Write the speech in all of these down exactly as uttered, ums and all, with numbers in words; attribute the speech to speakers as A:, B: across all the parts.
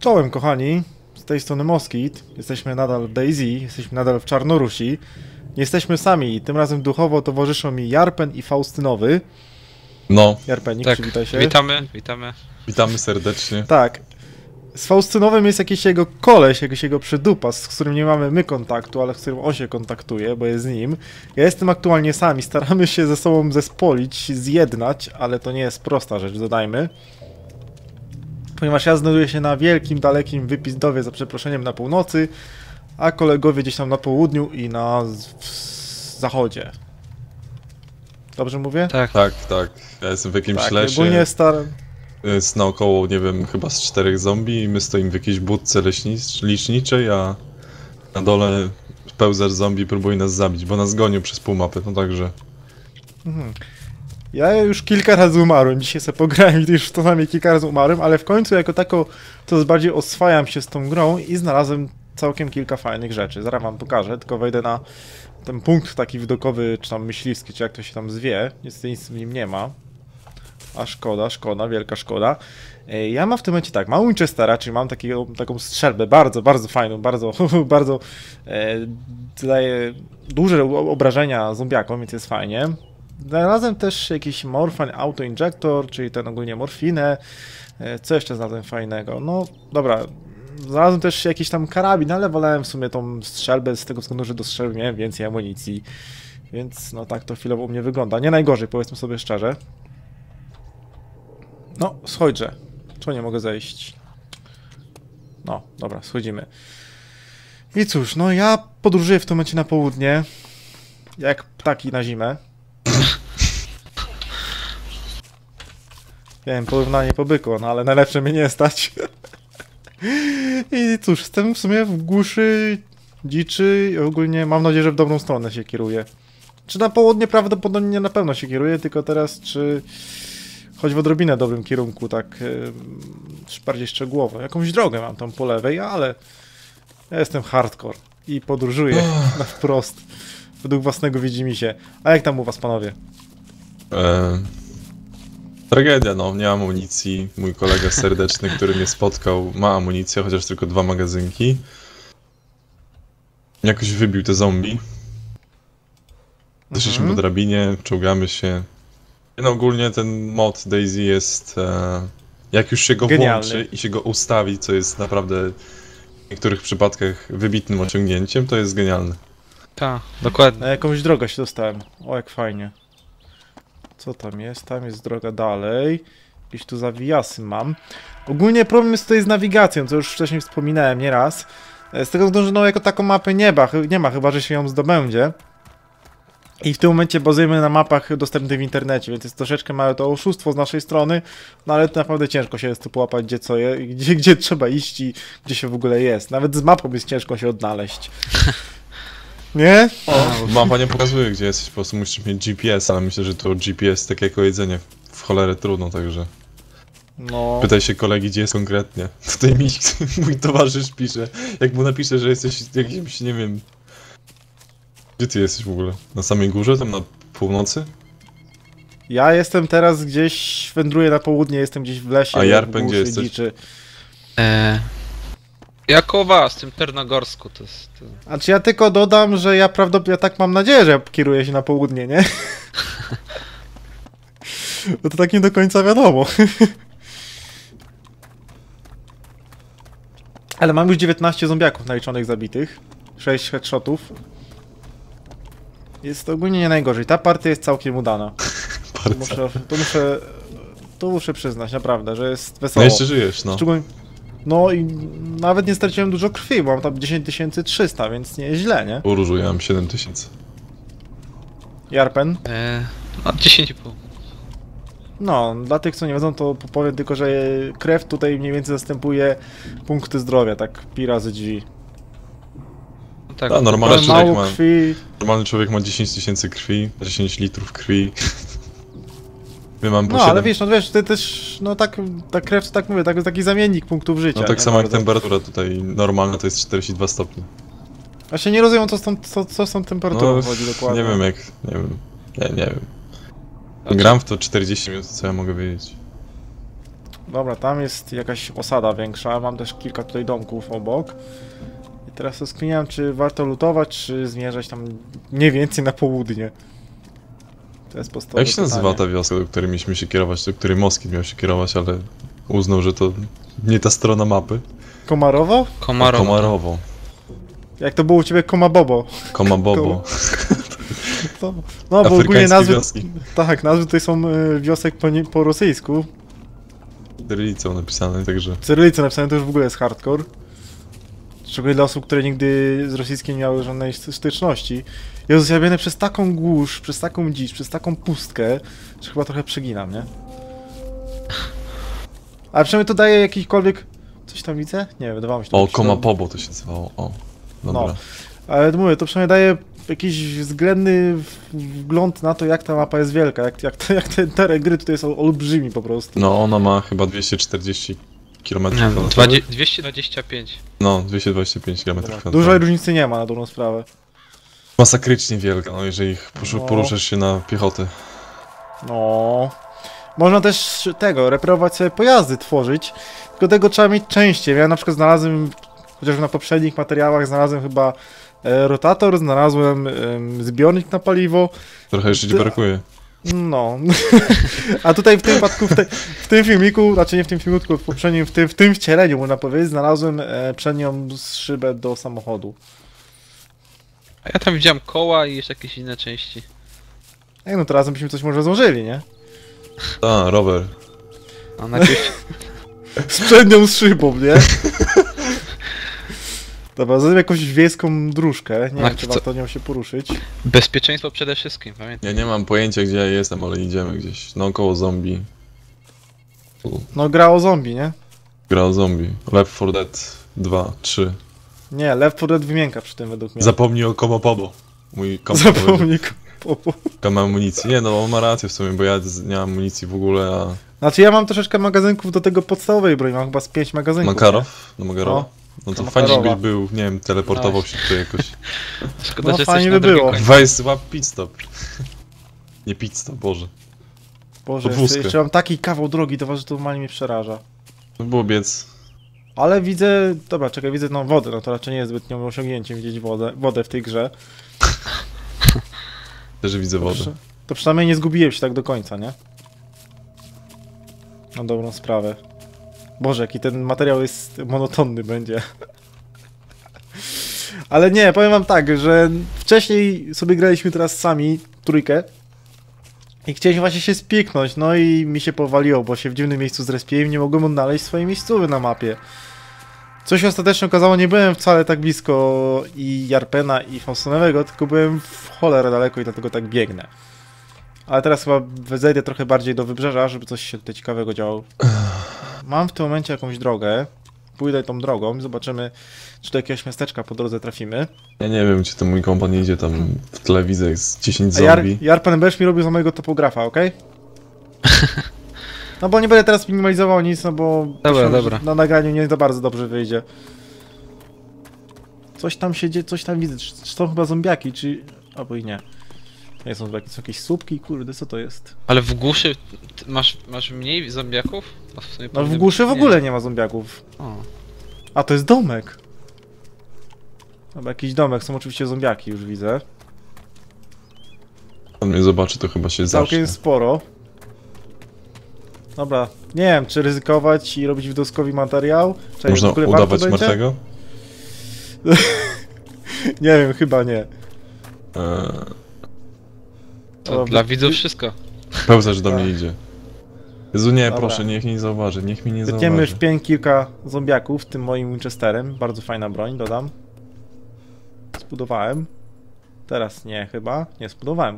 A: Czołem kochani, z tej strony Moskit, jesteśmy nadal w Daisy, jesteśmy nadal w Czarnorusi. Nie jesteśmy sami, tym razem duchowo towarzyszą mi Jarpen i Faustynowy.
B: No.
A: Jarpenik,
C: Tak,
A: przywitaj się.
C: witamy, witamy.
B: Witamy serdecznie.
A: Tak. Z Faustynowym jest jakiś jego koleś, jakiś jego przydupas, z którym nie mamy my kontaktu, ale z którym on się kontaktuje, bo jest z nim. Ja jestem aktualnie sami, staramy się ze sobą zespolić, zjednać, ale to nie jest prosta rzecz, dodajmy. Ponieważ ja znajduję się na wielkim, dalekim wypizdowie, za przeproszeniem, na północy, a kolegowie gdzieś tam na południu i na z zachodzie. Dobrze mówię?
C: Tak.
B: Tak, tak. Ja jestem w jakimś
A: Tak,
B: lesie.
A: ogólnie star...
B: Jest naokoło, nie wiem, chyba z czterech zombie i my stoimy w jakiejś budce leśnic- liczniczej, a na dole pełzacz zombie próbuje nas zabić, bo nas gonił przez pół mapy, no także...
A: Mhm. Ja już kilka razy umarłem, dzisiaj sobie pograłem i już to nami kilka razy umarłem, ale w końcu jako tako to bardziej oswajam się z tą grą i znalazłem całkiem kilka fajnych rzeczy. Zaraz wam pokażę, tylko wejdę na ten punkt taki widokowy, czy tam myśliwski, czy jak to się tam zwie. Niestety nic w nim nie ma. A szkoda, szkoda, wielka szkoda. E, Ja mam w tym momencie tak, mam Winchestera, czyli mam takiego, taką strzelbę bardzo, bardzo fajną, bardzo, bardzo e, daje duże obrażenia zombiakom, więc jest fajnie. Znalazłem też jakiś Morphine Auto Injector, czyli ten ogólnie morfinę. E, Co jeszcze znalazłem fajnego? No dobra, znalazłem też jakiś tam karabin, ale wolałem w sumie tą strzelbę z tego względu, że do strzelby miałem więcej amunicji. Więc no tak to chwilowo u mnie wygląda. Nie najgorzej, powiedzmy sobie szczerze. No, schodźże. Czemu nie mogę zejść? No, dobra, schodzimy. I cóż, no ja podróżuję w tym momencie na południe. Jak ptaki na zimę. Wiem, porównanie po byku, no ale najlepsze mnie nie stać. I cóż, jestem w sumie w głuszy dziczy i ogólnie mam nadzieję, że w dobrą stronę się kieruję. Czy na południe prawdopodobnie na pewno się kieruję, tylko teraz czy... choć w odrobinę dobrym kierunku, tak yy, bardziej szczegółowo. Jakąś drogę mam tam po lewej, ale ja jestem hardcore i podróżuję na wprost, według własnego widzimisię. A jak tam u was, panowie?
B: E... Tragedia, no. Nie mam amunicji. Mój kolega serdeczny, który mnie spotkał, ma amunicję, chociaż tylko dwa magazynki. Jakoś wybił te zombie. Doszliśmy
A: Mhm.
B: po drabinie, czołgamy się. No ogólnie ten mod Daisy jest, e, jak już się go
A: Genialny.
B: włączy i się go ustawi, co jest naprawdę w niektórych przypadkach wybitnym osiągnięciem, to jest genialne.
C: Tak, dokładnie.
A: Na jakąś drogę się dostałem. O, jak fajnie. Co tam jest? Tam jest droga dalej. Jakieś tu zawijasy mam. Ogólnie problem jest tutaj z nawigacją, co już wcześniej wspominałem nieraz. Z tego względu, że no jako taką mapę nie ma, nie ma, chyba że się ją zdobędzie. I w tym momencie bazujemy na mapach dostępnych w internecie, więc jest troszeczkę małe to oszustwo z naszej strony, no ale to naprawdę ciężko się jest tu połapać, gdzie co je, gdzie, gdzie trzeba iść i gdzie się w ogóle jest. Nawet z mapą jest ciężko się odnaleźć. Nie?
B: Mapa nie pokazuje, gdzie jesteś, po prostu musisz mieć G P S, ale myślę, że to G P S tak jako jedzenie w cholerę trudno, także...
A: No.
B: Pytaj się kolegi, gdzie jest konkretnie. Tutaj mi mój towarzysz pisze, jak mu napisze, że jesteś jakimś, nie wiem... Gdzie ty jesteś w ogóle? Na samej górze, tam na północy?
A: Ja jestem teraz gdzieś, wędruję na południe, jestem gdzieś w lesie.
B: A Jarpen,
A: w
B: gdzie
A: głuszy,
B: jesteś?
A: Dziczy.
C: E... Ja koło was, w tym Ternogorsku to jest... To...
A: A czy ja tylko dodam, że ja prawdopodobnie, ja tak mam nadzieję, że ja kieruję się na południe, nie? Bo to tak nie do końca wiadomo. Ale mam już dziewiętnaście zombiaków naliczonych zabitych. sześć headshotów. Jest ogólnie nie najgorzej. Ta partia jest całkiem udana. To
B: Bardzo.
A: muszę, to muszę, to muszę przyznać, naprawdę, że jest
B: No
A: wesoło.
B: jeszcze żyjesz, no.
A: Szczególnie... No i nawet nie straciłem dużo krwi, bo mam tam dziesięć tysięcy trzysta, więc nie jest źle, nie?
B: Uróżu, ja mam siedem tysięcy.
A: Jarpen?
C: E... No, dziesięć i pół.
A: No, dla tych, co nie wiedzą, to powiem tylko, że krew tutaj mniej więcej zastępuje punkty zdrowia, tak pi razy drzwi.
C: No tak,
B: A, normalny
A: Ale
B: człowiek
A: mało
B: ma,
A: krwi...
B: normalny człowiek ma dziesięć tysięcy krwi, dziesięć litrów krwi. My mamy po
A: No,
B: siedem.
A: ale wiesz, no wiesz, ty też, no tak, ta krew, to tak mówię, tak, taki zamiennik punktów życia.
B: No tak
A: nie
B: samo jak
A: bardzo.
B: temperatura tutaj normalna to jest czterdzieści dwa stopnie.
A: Właśnie nie rozumiem, co z tą, co, co z tą temperaturą
B: No,
A: chodzi dokładnie.
B: nie wiem jak, nie wiem, nie, nie wiem.
C: Znaczy-
B: Gram w to czterdzieści minut, co ja mogę wiedzieć.
A: Dobra, tam jest jakaś osada większa, mam też kilka tutaj domków obok. I teraz rozkminiam, czy warto lutować, czy zmierzać tam mniej więcej na południe. To jest podstawowe
B: Jak się nazywa
A: pytanie.
B: ta wioska, do której mieliśmy się kierować, do której Moskit miał się kierować, ale uznał, że to nie ta strona mapy?
A: Komarowo?
C: Komarowo.
B: Komarowo.
A: Jak to było u ciebie Komabobo?
B: Komabobo.
A: To, no bo ogólnie
B: Afrykańskie
A: nazwy...
B: wioski.
A: Tak, nazwy tutaj są y, wiosek po, nie, po rosyjsku.
B: Cyrylicą napisane, także...
A: Cyrylice napisane to już w ogóle jest hardcore. Szczególnie dla osób, które nigdy z rosyjskim nie miały żadnej styczności. Jezus, ja biegnę przez taką głusz, przez taką dzicz, przez taką pustkę, że chyba trochę przeginam, nie? Ale przynajmniej to daje jakikolwiek... Coś tam widzę? Nie, wydawało mi się to
B: O,
A: jakiś-
B: Komapobo to się nazywało, o. Dobra.
A: No. Ale mówię, to przynajmniej daje jakiś względny wgląd na to, jak ta mapa jest wielka, jak, jak, jak ten teren gry tutaj są olbrzymi po prostu.
B: No, ona ma chyba dwieście czterdzieści kilometrów
C: Nie,
B: kwadratowych.
C: dwieście dwadzieścia pięć.
B: No, dwieście dwadzieścia pięć kilometrów
A: Dużej
B: kwadratowych.
A: różnicy nie ma na dobrą sprawę.
B: Masakrycznie wielka, no jeżeli poszu-
A: No.
B: poruszasz się na piechotę.
A: No. Można też tego, reperować sobie pojazdy, tworzyć, tylko tego trzeba mieć częściej. Ja na przykład znalazłem, chociaż na poprzednich materiałach znalazłem chyba e, rotator, znalazłem em, zbiornik na paliwo.
B: Trochę jeszcze ci
A: Ty-
B: brakuje.
A: No. A tutaj w tym wypadku, w, te, w tym filmiku, znaczy nie w tym filmiku, tylko w poprzednim, w tym, w tym wcieleniu, można powiedzieć, znalazłem e, przednią szybę do samochodu.
C: A ja tam widziałem koła i jeszcze jakieś inne części.
A: Ej, no to razem byśmy coś może złożyli, nie?
B: A, rower.
C: A najpierw
A: Z przednią szybą, nie? Dobra, zrobię jakąś wiejską dróżkę, nie
C: Ach,
A: wiem, czy
C: co-
A: warto nią się poruszyć.
C: bezpieczeństwo przede wszystkim, pamiętaj.
B: Ja nie mam pojęcia gdzie ja jestem, ale idziemy gdzieś. Naokoło zombie. Tu.
A: No gra o zombie, nie?
B: Gra o zombie. Left four Dead dwa, trzy.
A: Nie, Left four Dead wymienka przy tym według mnie.
B: Zapomnij o Komapobo. Mój kompa
A: Zapomnij popo.
B: ma amunicji. Nie no, on ma rację w sumie, bo ja z- nie mam amunicji w ogóle, a...
A: Znaczy ja mam troszeczkę magazynków do tego podstawowej broni, mam chyba z pięć magazynków.
B: Makarow? No Makarowa? No to
A: to
B: fajnie,
A: Makarowa.
B: żebyś był, nie wiem, teleportował się tutaj jakoś.
C: Szkoda,
A: No,
C: że
A: fajnie
C: jesteś
A: by
C: na
A: było.
C: drugim końcu.
B: Weź złap pit stop. Nie pit stop, Boże.
A: Nie? Boże,
B: podwózkę.
A: jeszcze, jeszcze mam taki kawał drogi, to że to normalnie mnie przeraża.
B: To było biec.
A: Ale widzę, dobra, czekaj, widzę no wodę, no to raczej nie jest zbytnią osiągnięciem widzieć wodę, wodę w tej grze.
B: Też widzę
A: To,
B: wodę.
A: przy, to przynajmniej nie zgubiłem się tak do końca, nie? Na dobrą sprawę. Boże, jaki ten materiał jest monotonny będzie. Ale nie, powiem wam tak, że wcześniej sobie graliśmy teraz sami, trójkę. I chcieliśmy właśnie się spieknąć, no i mi się powaliło, bo się w dziwnym miejscu zrespiłem i nie mogłem odnaleźć swojej miejscowy na mapie. Co się ostatecznie okazało, nie byłem wcale tak blisko i Jarpena i Faustonowego, tylko byłem w cholerę daleko i dlatego tak biegnę. Ale teraz chyba zejdę trochę bardziej do wybrzeża, żeby coś się tutaj ciekawego działo. Mam w tym momencie jakąś drogę. Pójdę tą drogą, zobaczymy, czy do jakiegoś miasteczka po drodze trafimy.
B: Ja nie wiem, czy to mój kompan idzie tam w tle, widzę jest dziesięć
A: A Jar
B: zombie.
A: Jarpen będziesz mi robił za mojego topografa, okej? No bo nie będę teraz minimalizował nic, no bo
C: Dobra,
A: myślę, że
C: dobra.
A: na nagraniu nie za bardzo dobrze wyjdzie. Coś tam się dzieje, coś tam widzę. Czy, czy są chyba zombiaki, czy... Albo i nie. To nie są zombiaki, są jakieś słupki, kurde, co to jest?
C: Ale w głuszy ty masz, masz mniej zombiaków? No w, sumie
A: No w
C: powinny
A: głuszy w
C: być
A: ogóle
C: mniej.
A: nie ma zombiaków.
C: O.
A: A, to jest domek. Dobra, jakiś domek, są oczywiście zombiaki, już widzę.
B: On mnie zobaczy, to chyba się
A: Całkiem
B: zacznie.
A: sporo. Dobra, nie wiem, czy ryzykować i robić widoskowi materiał? Czekaj,
B: Można
A: w ogóle warto
B: udawać
A: będzie?
B: martwego?
A: Nie wiem, chyba nie.
B: Eee,
C: To
A: Dobra,
C: dla
A: wy-
C: widzów
A: wy-
C: wszystko.
B: pełza, że do
A: Tak.
B: mnie idzie. Jezu, nie,
A: Dobra.
B: proszę, niech mnie nie zauważy, niech mnie nie
A: Wytniemy
B: zauważy.
A: w pień kilka zombiaków, tym moim Winchesterem. Bardzo fajna broń, dodam. Zbudowałem. Teraz nie, chyba. Nie, zbudowałem.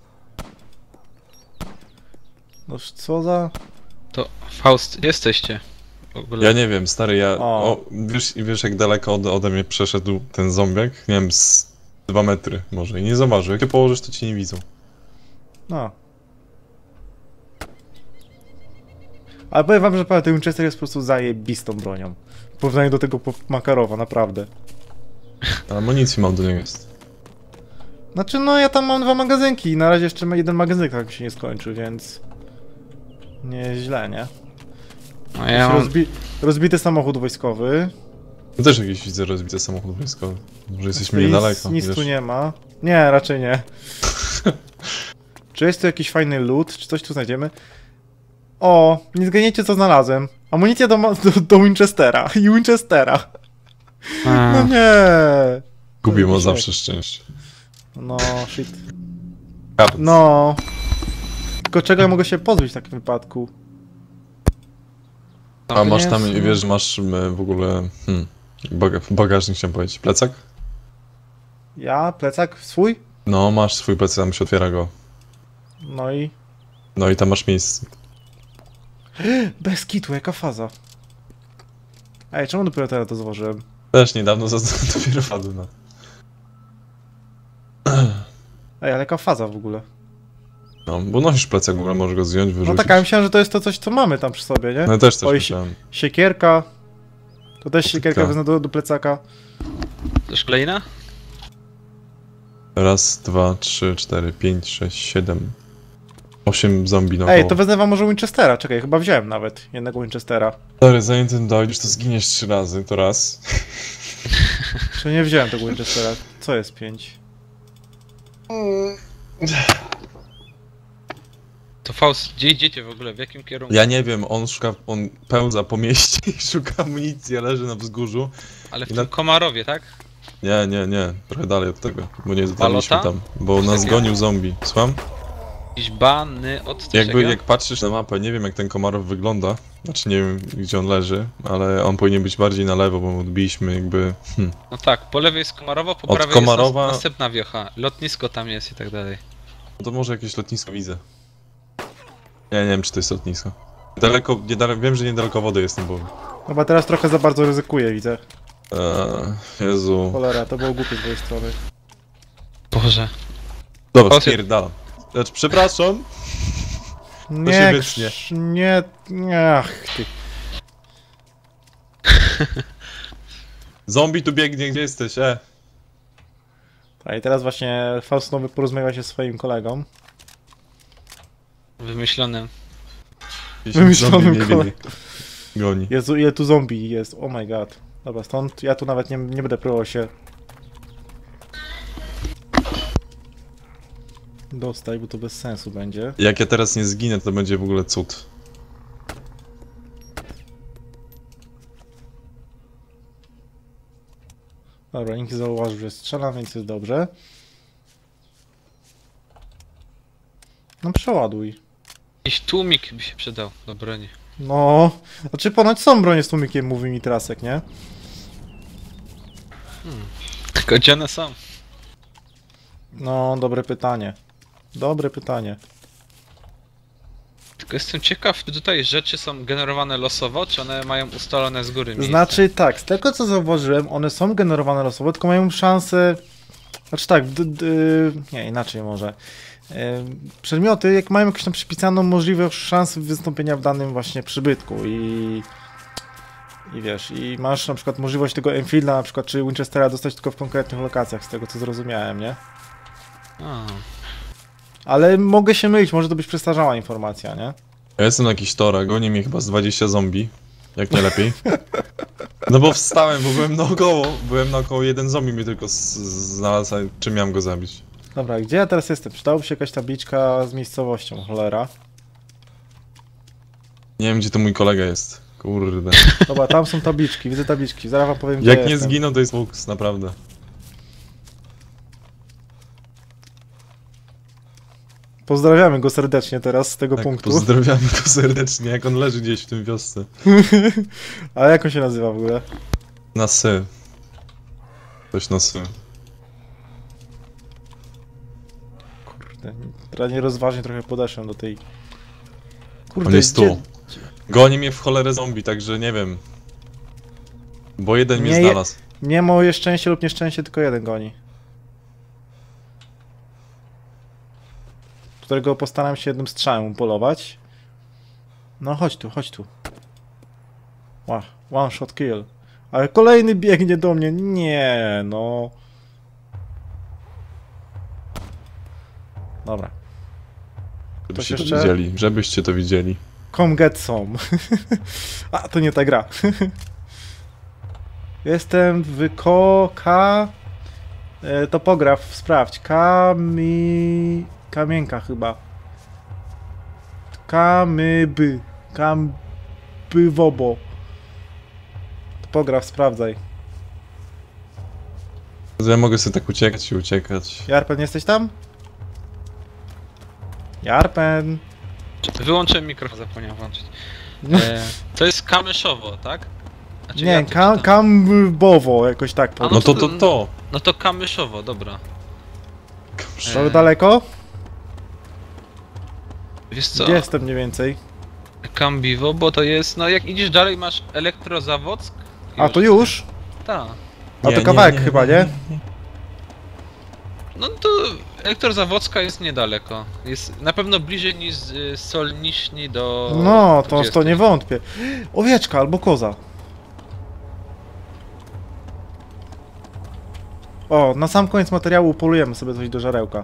A: Noż co za...
C: To Faust, gdzie jesteście? W ogóle.
B: Ja nie wiem, stary, ja...
A: O.
B: O, wiesz, wiesz jak daleko ode, ode mnie przeszedł ten zombiak? Nie wiem, z dwa metry może i nie zauważył. Jak się położysz, to ci nie widzą.
A: No. Ale powiem wam, że ten Winchester jest po prostu zajebistą bronią. W porównaniu do tego po- Makarowa, naprawdę.
B: A amunicji mam do niego jest.
A: Znaczy, no ja tam mam dwa magazynki i na razie jeszcze jeden magazynek tak mi się nie skończył, więc... Nie jest źle, nie?
C: A ja mam...
A: Rozbi rozbity samochód wojskowy.
B: Ja też jakiś widzę rozbity samochód wojskowy. Może jesteśmy
A: Nic,
B: niedaleko.
A: nic
B: wiesz.
A: tu nie ma. Nie, raczej nie. Czy jest tu jakiś fajny loot? Czy coś tu znajdziemy? O, nie zgadniecie co znalazłem. Amunicja do, ma- do, do Winchestera i Winchestera.
C: A,
A: No nie.
B: Gubię ma
A: Jakiś
B: zawsze szczęście.
A: No, shit.
B: Kart.
A: No. Tylko czego ja mogę się pozbyć w takim wypadku?
B: A masz
A: nie
B: tam,
A: jest-
B: wiesz, masz e, w ogóle... Hmm, baga bagażnik chciałem powiedzieć. Plecak?
A: Ja? Plecak swój?
B: No, masz swój plecak, tam się otwiera go.
A: No i...
B: No i tam masz miejsce.
A: Bez kitu, jaka faza. Ej, czemu dopiero teraz to zauważyłem?
B: Też niedawno za- dopiero wpadł na...
A: Ej, ale jaka faza w ogóle?
B: No, bo nosisz plecak, w ogóle możesz go zdjąć, wyrzucić.
A: No tak, ja myślałem, że to jest to coś, co mamy tam przy sobie, nie?
B: No też też
A: Oj,
B: myślałem.
A: Siekierka. To też siekierka
B: Tak.
A: wezmę do, do plecaka.
C: też kolejna?
B: Raz, dwa, trzy, cztery, pięć, sześć, siedem... Osiem zombie naokoło.
A: Ej, to wezmę wam może Winchestera. Czekaj, chyba wziąłem nawet jednego Winchestera.
B: Stary, zanim ten dojdziesz, to zginiesz trzy razy, to raz.
A: Czy nie wziąłem tego Winchestera? Co jest pięć?
C: To Faust, gdzie idziecie w ogóle? W jakim kierunku?
B: Ja nie wiem, on szuka, on pełza po mieście i szuka amunicji, a leży na wzgórzu.
C: Ale w
B: I
C: tym
B: na-
C: Komarowie, tak?
B: Nie, nie, nie, trochę dalej od tego, bo nie dotarliśmy
C: Balota?
B: tam, bo nas
C: Takie-
B: gonił zombie. Słucham?
C: Jakiś bany od coś
B: Jakby,
C: takiego?
B: jak patrzysz na mapę, nie wiem jak ten Komarow wygląda, znaczy nie wiem gdzie on leży, ale on powinien być bardziej na lewo, bo mu odbiliśmy jakby... Hmm.
C: No tak, po lewej jest Komarowo, po
B: Od
C: prawej
B: Komarowa-
C: jest nas, następna wiocha. Lotnisko tam jest i tak dalej.
B: No to może jakieś lotnisko widzę. Ja nie wiem czy to jest lotnisko. Daleko, niedaleko, wiem, że niedaleko wody jestem, bo...
A: Chyba teraz trochę za bardzo ryzykuję, widzę.
B: Eee, Jezu...
A: Cholera, to było głupie z mojej strony.
C: Boże.
B: Dobra,
C: Poszedł.
B: spierdalam. Znaczy, przepraszam.
A: Nie,
B: się wytnie.
A: krz- nie, nie, ach ty.
B: Zombie tu biegnie, gdzie jesteś, e?
A: A i teraz właśnie Faust Nowy porozmawia się z swoim kolegą.
C: Wymyślonym.
B: Gdzieś
A: Wymyślonym
B: zombie mnie
A: kole-
B: biegnie. Goni.
A: Jezu, ile tu zombie jest, oh my god. Dobra, stąd ja tu nawet nie, nie będę próbował się dostać, bo to bez sensu będzie.
B: Jak ja teraz nie zginę, to będzie w ogóle cud.
A: Dobra, nikt nie zauważył, że strzelam, więc jest dobrze. No przeładuj.
C: Jakiś tłumik by się przydał do broni.
A: No, znaczy ponoć są bronie z tłumikiem, mówi mi Trasek, nie?
C: Tylko gdzie one są?
A: No, dobre pytanie. Dobre pytanie.
C: Tylko jestem ciekaw, czy tutaj rzeczy są generowane losowo, czy one mają ustalone z góry miejsce?
A: Znaczy tak, z tego co zauważyłem, one są generowane losowo, tylko mają szansę... Znaczy tak, d, d, nie, inaczej może. E, Przedmioty, jak mają jakąś tam przypisaną możliwość szansy wystąpienia w danym właśnie przybytku i... I wiesz, i masz na przykład możliwość tego Enfielda na przykład, czy Winchestera dostać tylko w konkretnych lokacjach, z tego co zrozumiałem, nie?
C: A,
A: Ale mogę się mylić, może to być przestarzała informacja, nie?
B: Ja jestem na jakiś tora, goni mnie chyba z dwadzieścia zombie. Jak nie lepiej. No bo wstałem, bo byłem naokoło. Byłem naokoło, jeden zombie mnie tylko z- z- znalazł, a czym miałem go zabić?
A: Dobra, gdzie ja teraz jestem? Przydałoby się jakaś tabliczka z miejscowością, cholera.
B: Nie wiem gdzie to mój kolega jest. Kurde.
A: Dobra, tam są tabliczki, widzę tabliczki, zaraz wam powiem, gdzie
B: Jak nie
A: jestem.
B: zginął, to jest fuks, naprawdę.
A: Pozdrawiamy go serdecznie teraz z tego
B: Tak,
A: punktu.
B: pozdrawiamy go serdecznie, jak on leży gdzieś w tym wiosce.
A: A jak on się nazywa w ogóle?
B: Na sy. Coś na sy.
A: Kurde, teraz nierozważnie trochę podeszłem do tej... Kurde,
B: On jest
A: gdzie-
B: tu. Goni mnie w cholerę zombie, także nie wiem. Bo jeden mnie
A: Nie je-
B: znalazł.
A: Nie moje szczęście lub nieszczęście, tylko jeden goni. Którego postaram się jednym strzałem polować. No chodź tu, chodź tu. Wow, one shot kill. Ale kolejny biegnie do mnie. Nie, no.
B: Żebyście
A: Ktoś
B: to
A: jeszcze?
B: widzieli, żebyście to widzieli.
A: Come get some. A, to nie ta gra. Jestem w ko... K... E, topograf, sprawdź. Kami... Kamienka chyba. Kamyby. Kambywobo. Topograf, sprawdzaj.
B: Ja mogę sobie tak uciekać i uciekać.
A: Jarpen, jesteś tam? Jarpen.
C: Wyłączyłem mikrofon, zapomniałem włączyć.
A: No.
C: E, to jest Kamyszowo, tak? Znaczy,
A: Nie,
C: ja to
A: kam,
C: czytam.
A: kambowo, jakoś tak
C: A
A: powiem.
B: No to to to!
C: No to Kamyszowo, dobra.
A: To
C: E,
A: daleko?
C: Wiesz co?
A: Gdzie jestem mniej więcej?
C: Kambiwo, bo to jest, no jak idziesz dalej masz Elektrozawock.
A: A to już?
C: Tak.
A: A
B: Nie,
A: to
B: nie,
A: kawałek
B: nie,
A: chyba,
B: nie,
A: nie?
C: No to Elektrozawocka jest niedaleko. Jest na pewno bliżej niż z Solniśni do...
A: No, to,
C: gdzie
A: to nie
C: jesteś.
A: wątpię. Owieczka albo koza. O, na sam koniec materiału polujemy sobie coś do żarełka.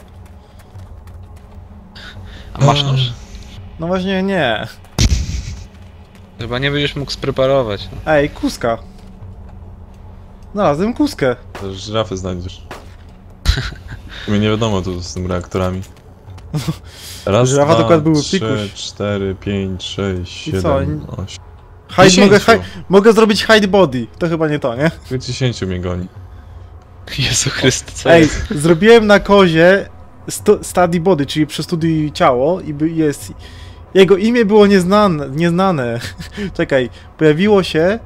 C: A masz nóż?
A: No właśnie nie.
C: Chyba nie będziesz mógł spreparować. No.
A: Ej, kuska. Znalazłem kuskę.
B: To żyrafy znajdziesz. Mnie nie wiadomo tu z tymi reaktorami. Raz,
A: Żyrafa
B: dwa,
A: dokład były
B: trzy,
A: pikuś.
B: cztery, pięć, sześć,
A: I co,
B: siedem, osiem.
A: Hide, mogę,
B: Dziesięciu.
A: hi, mogę zrobić hide body. To chyba nie to, nie?
B: Tylko dziesięciu mnie goni.
C: Jezu Chryste, co
A: Ej,
C: jest?
A: zrobiłem na kozie stu, study body, czyli przestudiuj ciało i by- jest... Jego imię było nieznane, nieznane. Czekaj, pojawiło się...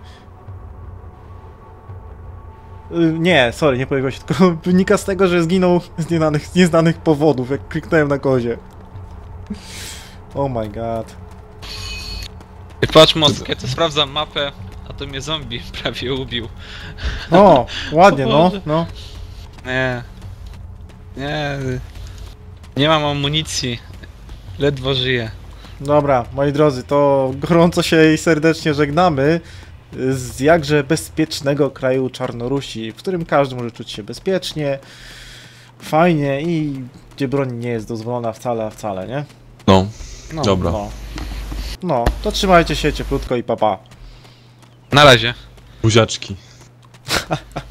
A: Y, Nie, sorry, nie pojawiło się, tylko wynika z tego, że zginął z nieznanych, z nieznanych powodów, jak kliknąłem na kozie. Oh my god.
C: I patrz Moskę, to sprawdzam mapę, a to mnie zombie prawie ubił.
A: O, ładnie,
C: O
A: no,
C: Boże.
A: no.
C: Nie. Nie. Nie mam amunicji. Ledwo żyję.
A: Dobra, moi drodzy, to gorąco się i serdecznie żegnamy z jakże bezpiecznego kraju Czarnorusi, w którym każdy może czuć się bezpiecznie, fajnie i gdzie broń nie jest dozwolona wcale, a wcale, nie?
B: No,
C: No.
B: dobra.
A: No. No, to trzymajcie się cieplutko i papa.
C: Na razie.
B: Buziaczki.